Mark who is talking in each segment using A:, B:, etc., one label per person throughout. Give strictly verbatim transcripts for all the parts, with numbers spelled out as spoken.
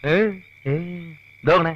A: ഇതോണേ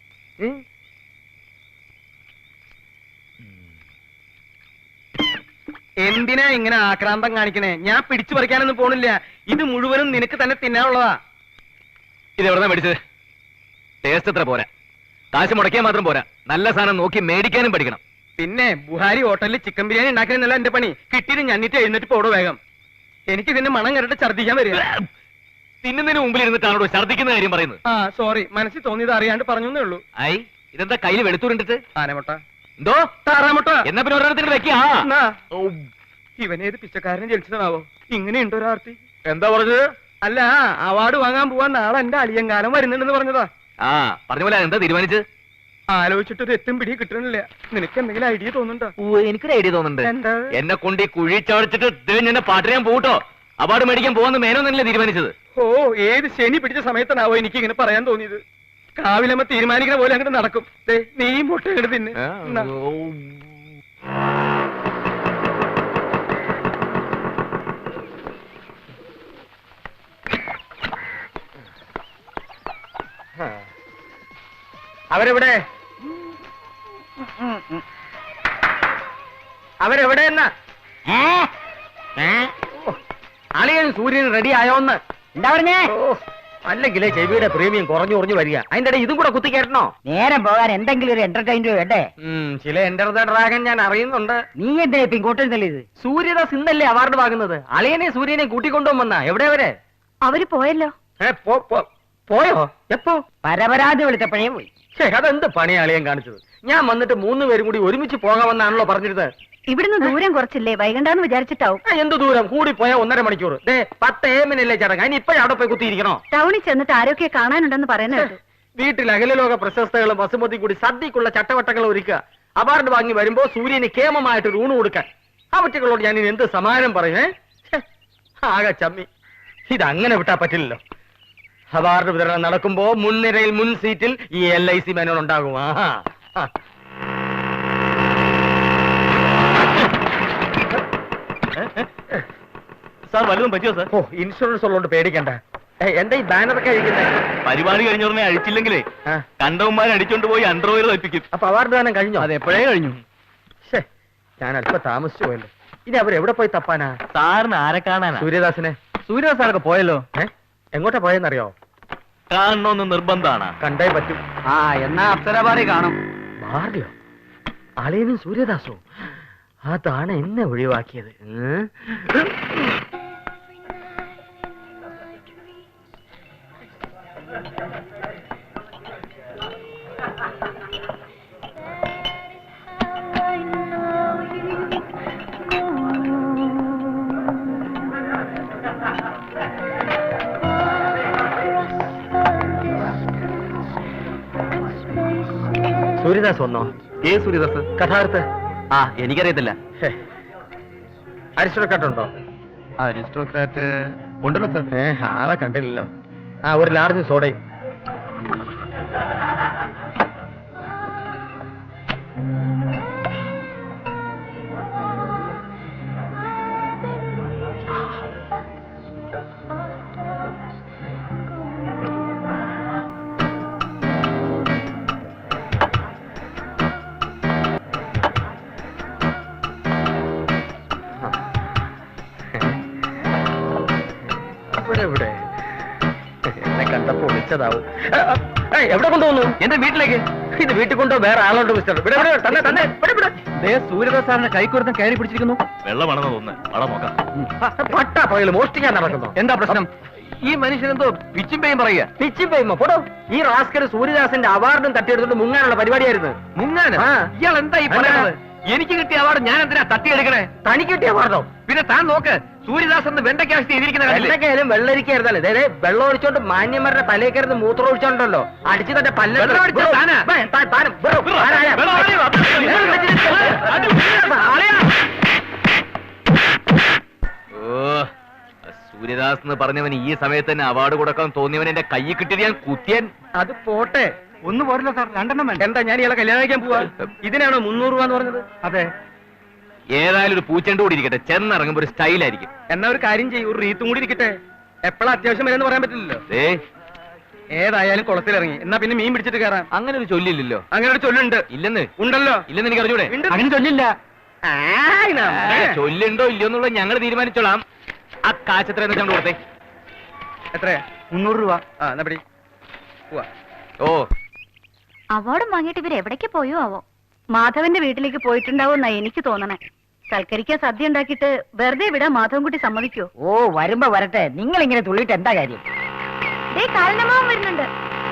B: എന്തിനാ ഇങ്ങനെ ആക്രാന്തം കാണിക്കണേ? ഞാൻ പിടിച്ചു പറിക്കാനൊന്നും പോണില്ല. ഇത് മുഴുവനും നിനക്ക് തന്നെ തിന്നാനുള്ളതാ.
A: ഇത് എവിടെ മേടിച്ചത്? ടേസ്റ്റ് എത്ര പോരാ, കാശ് മുടക്കിയാൽ മാത്രം പോരാ, നല്ല സാധനം നോക്കി മേടിക്കാനും പഠിക്കണം.
B: പിന്നെ ബുഹാരി ഹോട്ടലിൽ ചിക്കൻ ബിരിയാണി ഉണ്ടാക്കാനല്ല എന്റെ പണി. കിട്ടിയിട്ട് ഞന്നിട്ട് എഴുന്നേറ്റ് പോടോ വേഗം. എനിക്ക് ഇതിന്റെ മണം കണ്ടിട്ട് ഛർദ്ദിക്കാൻ വരിക.
A: തിന്നുന്നതിന് മുമ്പിൽ ഇരുന്നിട്ടാണോ ഛർദ്ദിക്കുന്ന കാര്യം പറയുന്നത്?
B: ആ സോറി, മനസ്സിൽ തോന്നിയത് അറിയാണ്ട് പറഞ്ഞേ ഉള്ളൂ.
A: ഐ ഇതെന്താ കയ്യിൽ വെളുത്തൂരിണ്ടിട്ട്?
B: ആനമുട്ട.
A: എന്തോ
B: താറാമുട്ട.
A: എന്നാ പിന്നെ ഒരെണ്ണത്തിന് വെക്കാ.
B: ഇവനേത് പിച്ചക്കാരനെ ജനിച്ചതാവോ? ഇങ്ങനെയുണ്ടോ ഒരാർത്തി?
A: എന്താ പറഞ്ഞത്?
B: അല്ല, അവാർഡ് വാങ്ങാൻ പോവാൻ നാളെ എന്റെ അളിയങ്കാലം വരുന്നുണ്ടെന്ന് പറഞ്ഞതാ.
A: ആ പറഞ്ഞ പോലെ എന്താ തീരുമാനിച്ചത്?
B: ആലോചിച്ചിട്ടൊരു എത്തും പിടി കിട്ടണില്ല. നിനക്ക് എന്തെങ്കിലും ഐഡിയ തോന്നുന്നുണ്ടോ?
A: ഓ എനിക്കൊരു ഐഡിയ തോന്നുന്നുണ്ട്.
B: എന്താ?
A: എന്നെ കൊണ്ട് ഈ കുഴി ചവടിച്ചിട്ട് എന്നെ പാട്ടിനാൻ പോട്ടോ. അവാർഡ് മേടിക്കാൻ പോവാന്ന് മേനോന്നല്ലേ തീരുമാനിച്ചത്?
B: ഓ ഏത് ശനി പിടിച്ച സമയത്താണാവോ എനിക്ക് ഇങ്ങനെ പറയാൻ തോന്നിയത്. കാവിലമ്മ തീരുമാനിക്കുന്ന പോലെ അങ്ങോട്ട് നടക്കും. നീയും പൊട്ട ഇങ്ങോട്ട് തിന്നെ. അവരെവിടെ? അവരെവിടെ എന്നാ? അളിയൻ സൂര്യൻ റെഡി ആയോന്ന്
C: എന്താ പറഞ്ഞേ?
B: അല്ലെങ്കിലേ ചെവിയുടെ പ്രീമിയം കുറഞ്ഞു കുറഞ്ഞു വരിക. അതിന്റെ ഇടയിൽ ഇതും കൂടെ കുത്തിക്കേട്ടണോ?
C: നേരം പോകാൻ എന്തെങ്കിലും ഒരു എന്റർടൈൻമെന്റ് വേണ്ടേ?
B: ചില എന്റർ ദ ഡ്രാഗൻ ഞാൻ അറിയുന്നുണ്ട്.
C: നീ എന്താ ഇപ്പൊ ഇങ്ങോട്ട് ഇത്?
B: സൂര്യദാസ് ഇന്നല്ലേ അവാർഡ് വാങ്ങുന്നത്. അളിയനെ സൂര്യനെ കൂട്ടിക്കൊണ്ടുവന്നാ. എവിടെ അവരെ?
C: അവര് പോയല്ലോ.
B: പോയോ? എപ്പോ?
C: പരപരാതി വിളിച്ചപ്പോഴേ പോയി.
B: അതെന്ത് പണിയാ അളിയൻ കാണിച്ചത്? ഞാൻ വന്നിട്ട് മൂന്ന് പേരും കൂടി ഒരുമിച്ച് പോകാമെന്നാണല്ലോ പറഞ്ഞിരുന്നത്.
C: ഇവിടുന്ന് ദൂരം കുറച്ചില്ലേ, വൈകണ്ടെന്ന് വിചാരിച്ചിട്ടാവും.
B: എന്ത് ദൂരം? കൂടി പോയാ ഒന്നര മണിക്കൂർ. പത്ത് ഏമിനല്ലേ ചടങ്ങ്. അതിന് ഇപ്പോഴും അവിടെ പോയി കുത്തിയിരിക്കണോ?
C: ടൗണിൽ ചെന്നിട്ട് ആരൊക്കെ കാണാനുണ്ടെന്ന് പറയുന്നത്.
B: വീട്ടിൽ അഖിലലോക പ്രശസ്തകളും വസുമതി കൂടി സദ്യക്കുള്ള ചട്ടവട്ടങ്ങൾ ഒരുക്കുക. അവാർഡ് വാങ്ങി വരുമ്പോ സൂര്യന് കേമമായിട്ട് ഊണ് കൊടുക്കാൻ. ആ കുട്ടികളോട് ഞാൻ ഇനി എന്ത് സമാനം പറയുന്നേ? ആകെ ചമ്മി. ഇതങ്ങനെ വിട്ടാ പറ്റില്ലല്ലോ. അവാർഡ് വിതരണം നടക്കുമ്പോ മുൻനിരയിൽ മുൻ സീറ്റിൽ ഈ എൽ ഐ സി മേനോൻ ഉണ്ടാകും. ആഹാ
A: സാർ വല്ലതും പറ്റിയോ സാർ?
B: ഓ ഇൻഷുറൻസ് ഉള്ളതുകൊണ്ട് പേടിക്കണ്ട. എന്താ ഈ ബാനറൊക്കെ അഴിക്കുന്നത്?
A: പരിപാടി കഴിഞ്ഞോടനെ അഴിച്ചില്ലെങ്കിലേ കണ്ടവന്മാരെ അടിച്ചോണ്ട് പോയി അണ്ടർവെയർ തയ്പ്പിക്കും.
B: അപ്പൊ അവാർഡ് ദാനം കഴിഞ്ഞോ?
A: അത് എപ്പോഴേ കഴിഞ്ഞു.
B: ഞാൻ അല്പം താമസിച്ചു പോയല്ലോ. ഇനി അവരെവിടെ പോയി തപ്പാനാ?
A: സാറിന് ആരെ കാണാനാ?
B: സൂര്യദാസിനെ.
A: സൂര്യദാസ് സാറൊക്കെ പോയല്ലോ.
B: എങ്ങോട്ടാ പോയെന്നറിയോ?
A: കാണണമെന്ന് നിർബന്ധമാണ്.
B: കണ്ടേ പറ്റും.
C: ആ എന്നാ അപ്സരപാടി കാണും.
B: മാറിയോ? അളിയനും സൂര്യദാസോ? അതാണ് എന്നെ ഒഴിവാക്കിയത്. സൂര്യദാസ് വന്നോ?
A: ഏ സൂര്യദാസ്?
B: കഥാർത്ഥ?
A: ആ എനിക്കറിയത്തില്ല.
B: അരിസ്റ്റോക്രാറ്റുണ്ടോ?
A: അരിസ്റ്റോക്രാറ്റ് ഉണ്ടല്ലോ സാർ.
B: ഏ ആളെ കണ്ടില്ലല്ലോ. ആ ഒരു ലാർജ് സോഡയും. എവിടെ എന്നെ കണ്ടപ്പോ വിളിച്ചതാവും. എവിടെ കൊണ്ടുപോകുന്നു?
A: എന്റെ വീട്ടിലേക്ക്.
B: ഇത് വീട്ടിൽ കൊണ്ടോ വേറെ ആളോട് മിസ്റ്റർ?
A: സൂര്യദാസ് സാറിന്റെ കൈക്കുറത്തം കയറി പിടിച്ചിരിക്കുന്നു. വെള്ളമാണെന്ന് തോന്നുന്നു. വളം നോക്കാം.
B: പട്ടാ പകല് മോഷ്ടിക്കാൻ നടക്കുന്നു.
A: എന്താ പ്രശ്നം? ഈ മനുഷ്യനെന്തോ പിച്ചും പേയും പറയുക.
B: പിച്ചും പേയുമോ? പോടോ. ഈ റാസ്കർ സൂര്യദാസിന്റെ അവാർഡും തട്ടിയെടുത്തിട്ട് മുങ്ങാനുള്ള പരിപാടിയായിരുന്നു.
A: മുങ്ങാൻ? ഇയാൾ എന്താ ഈ പറയുന്നത്? എനിക്ക് കിട്ടിയ അവാർഡ് ഞാൻ എന്തിനാ തട്ടിയെടുക്കണേ?
B: തനിക്ക് കിട്ടിയ അവാർഡോ?
A: പിന്നെ താൻ നോക്ക്, സൂര്യദാസ് എന്ന് വെണ്ടയ്ക്കാശി എഴുതിയിരിക്കുന്ന
B: വെണ്ടയ്ക്കായാലും വെള്ളരിക്കായിരുന്നല്ലേ? അതെ വെള്ളം ഒഴിച്ചോണ്ട് മാന്യന്മാരുടെ തലേക്കരുന്ന് മൂത്രം ഒഴിച്ചോണ്ടല്ലോ അടിച്ചു തന്റെ പല്ല.
A: ഓ സൂര്യദാസ് എന്ന് പറഞ്ഞവൻ ഈ സമയത്ത് തന്നെ അവാർഡ് കൊടുക്കാൻ തോന്നിയവൻ എന്റെ കയ്യിൽ കിട്ടിയത് ഞാൻ കുത്തിയൻ.
B: അത് പോട്ടെ, ഒന്ന് പോരല്ലോ സാർ, രണ്ടെണ്ണം വേണ്ട. എന്താ ഞാൻ ഇയാളെ കല്യാണം കഴിക്കാൻ പോവാ? ഇതിനാണോ മുന്നൂറ് രൂപ എന്ന് പറഞ്ഞത്? അതെ.
A: ഏതായാലും ഒരു പൂച്ചെണ്ട് കൂടി ഇരിക്കട്ടെ, ചെന്നിറങ്ങുമ്പോ ഒരു സ്റ്റൈലായിരിക്കും.
B: എന്നാ ഒരു കാര്യം ചെയ്യും, ഒരു റീത്തും കൂടി ഇരിക്കട്ടെ. എപ്പോഴാ അത്യാവശ്യം വരെന്ന് പറയാൻ പറ്റില്ലല്ലോ.
A: ഏ
B: ഏതായാലും കുളത്തിലിറങ്ങി എന്നാ പിന്നെ മീൻ പിടിച്ചിട്ട് കയറാം.
A: അങ്ങനെ ഒരു ചൊല്ലില്ലല്ലോ.
B: അങ്ങനെ ഒരു ചൊല്ലുണ്ട്.
A: ഇല്ലെന്ന്
B: ഉണ്ടല്ലോ.
A: ഇല്ലെന്ന് എനിക്ക് അറിഞ്ഞൂടെ?
B: അങ്ങനെ ചൊല്ലില്ല.
A: ചൊല്ലുണ്ടോ ഇല്ലയോ എന്നുള്ളത് ഞങ്ങൾ തീരുമാനിച്ചോളാം. ആ കാശെത്ര എന്ന് വെച്ചാൽ കൊടുത്തേ.
B: എത്രയാ? മുന്നൂറ് രൂപ. ആ എന്നാ പിടി. പോവാ.
A: ഓ
C: അവാർഡും വാങ്ങിയിട്ട് ഇവർ എവിടേക്ക് പോയോ ആവോ? മാധവന്റെ വീട്ടിലേക്ക് പോയിട്ടുണ്ടാവുമെന്നാ എനിക്ക് തോന്നണേ. സൽക്കരിക്കാൻ സദ്യ ഉണ്ടാക്കിയിട്ട് വെറുതെ വിടാൻ മാധവൻകുട്ടി സമ്മതിക്കോ?
D: ഓ വരുമ്പോ വരട്ടെ, നിങ്ങൾ ഇങ്ങനെ തുള്ളിയിട്ട് എന്താ കാര്യം?
C: ദേ കാലനമാവൻ വരുന്നുണ്ട്.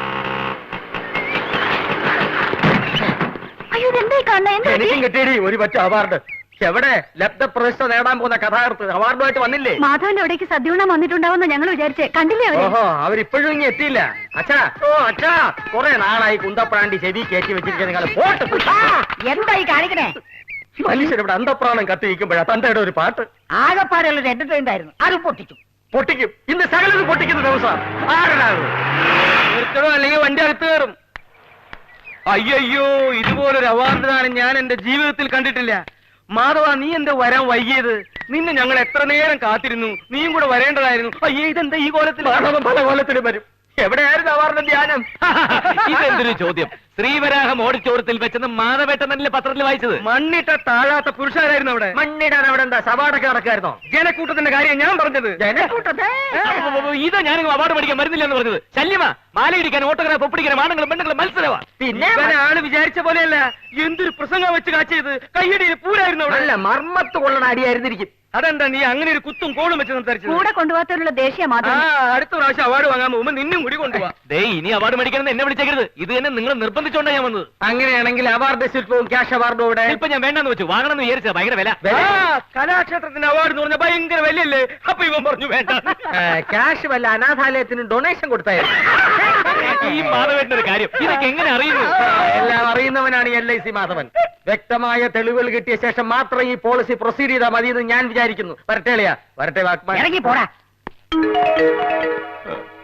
C: അയ്യോ ഇതെന്തായി കാണുന്നെ? എന്താ പറ്റി?
B: എനിക്കും കിട്ടിയടി ഒരു പറ്റ അവാർഡ്. എവിടെ ലബ്ധ പ്രശസ്ത നേടാൻ പോകുന്ന കഥാകൃത്ത് അവാർഡുമായിട്ട് വന്നില്ലേ?
C: മാധവന്റെ എവിടേക്ക് സദ്യ ഉണ്ണാൻ വന്നിട്ടുണ്ടാവുന്ന ഞങ്ങൾ വിചാരിച്ചേ. കണ്ടില്ലേ അവര്?
B: ഓഹോ അവരിപ്പോഴും ഇനി എത്തിയില്ല. അച്ഛാ ഓ അച്ഛാ കുറെ നാളായി കുന്തപ്രാണ്ടി ചെവി കയറ്റി വെച്ചിരിക്കുന്ന നിങ്ങൾ പോട്ട്.
D: എന്തായി കാണിക്കണേ?
B: മനുഷ്യരിവിടെ അന്തപ്രാണം കത്തിരിക്കുമ്പോഴാ തന്റെ ഒരു പാട്ട്.
D: ആകെപ്പാടെയുള്ള എന്റർടൈൻമെന്റ് ആയിരുന്നു, അത് പൊട്ടിച്ചു.
B: പൊട്ടിക്കും. ഇന്ന് സകലത് പൊട്ടിക്കുന്ന ദിവസം. ആരാണ് നിർത്തണോ അല്ലെങ്കിൽ വണ്ടി അകത്ത് കയറും. അയ്യോ ഇതുപോലൊരു അവാർഡ് ദാനം ഞാൻ എന്റെ ജീവിതത്തിൽ കണ്ടിട്ടില്ല. മാധവ നീ എന്താ വരാൻ വൈകിയത്? നിന്നെ ഞങ്ങൾ എത്ര നേരം കാത്തിരുന്നു. നീയും കൂടെ വരേണ്ടതായിരുന്നു. അയ്യേ ഇതെന്താ ഈ കോലത്തിൽ? മാധവൻ പല കോലത്തിലും വരും. എവിടെയായിരുന്നു അവാർഡിന്റെ ധ്യാനം?
A: ഇതെന്തൊരു ചോദ്യം? ശ്രീവരാഹം ഓടിച്ചോരത്തിൽ വെച്ചെന്ന് മാധവേട്ടനല്ലേ പത്രത്തിൽ വായിച്ചത്?
B: മണ്ണിട്ട താഴാത്ത പുരുഷാരായിരുന്നു അവിടെ. മണ്ണിടാൻ അവിടെ എന്താ സവാടൊക്കെ നടക്കായിരുന്നോ? ജനക്കൂട്ടത്തിന്റെ കാര്യം ഞാൻ പറഞ്ഞത്. ജനക്കൂട്ടത്തെ
A: ഇതാ ഞാൻ അവാർഡ് പഠിക്കാൻ വരുന്നില്ല എന്ന് പറഞ്ഞത്. ശല്യമാ. മാലയിടിക്കാൻ ഓട്ടോഗ്രാഫ് ഒപ്പിടിക്കാൻ ആണുങ്ങളും പെണ്ണുങ്ങളും മത്സരമാ.
B: പിന്നെ ആള് വിചാരിച്ച പോലെയല്ല. എന്തൊരു പ്രസംഗം വെച്ച് കാച്ചത്. കയ്യടിയിൽ പൂരായിരുന്നു അവിടെ. അല്ല മർമ്മത്ത് കൊള്ളണ അടിയായിരുന്നിരിക്കും. അതെന്താ നീ അങ്ങനെ ഒരു കുത്തും കോളും വെച്ച് സംസാരിച്ചത്?
C: കൂടെ കൊണ്ടുപോകാത്തവരുള്ള ദേഷ്യ
B: ആ
C: മാധവൻ.
B: അടുത്ത പ്രാവശ്യം അവാർഡ് വാങ്ങാൻ പോകുമ്പോ നിന്നും കൂടി കൊണ്ടുപോവാ.
A: ദേ ഇനി അവാർഡ് മേടിക്കണമെന്ന് എന്നെ വിളിച്ചേക്കരുത്. ഇത് തന്നെ നിങ്ങൾ നിർബന്ധിച്ചോണ്ടാ ഞാൻ വന്നത്.
B: അങ്ങനെയാണെങ്കിൽ അവാർഡ് ശില്പവും ക്യാഷ് അവാർഡും ഇവിടെ.
A: ഇപ്പൊ ഞാൻ വേണ്ടെന്ന് വെച്ചു. വാങ്ങണമെന്ന് വിചാരിച്ചത് ഭയങ്കര വില.
B: ആ, കലാക്ഷേത്രത്തിന്റെ അവാർഡ് എന്ന് പറഞ്ഞാൽ ഭയങ്കര വിലയല്ലേ? അപ്പൊ ഇവൻ പറഞ്ഞു വേണ്ട. ക്യാഷ് വല്ല അനാഥാലയത്തിന് ഡൊണേഷൻ കൊടുത്തായിരുന്നു.
A: ഈ മാധവേട്ടന്റെ ഒരു കാര്യം ഇതൊക്കെ എങ്ങനെ അറിയുന്നു?
B: എല്ലാം അറിയുന്നവനാണ് എൽ ഐ സി മാധവൻ. വ്യക്തമായ തെളിവുകൾ കിട്ടിയ ശേഷം മാത്രം ഈ പോളിസി പ്രൊസീഡ് ചെയ്താൽ മതി എന്ന് ഞാൻ വിചാരിക്കുന്നു. വരട്ടെ അളിയാ, വരട്ടെ വാക്മാൻ.
D: ഇറങ്ങി പോടാ.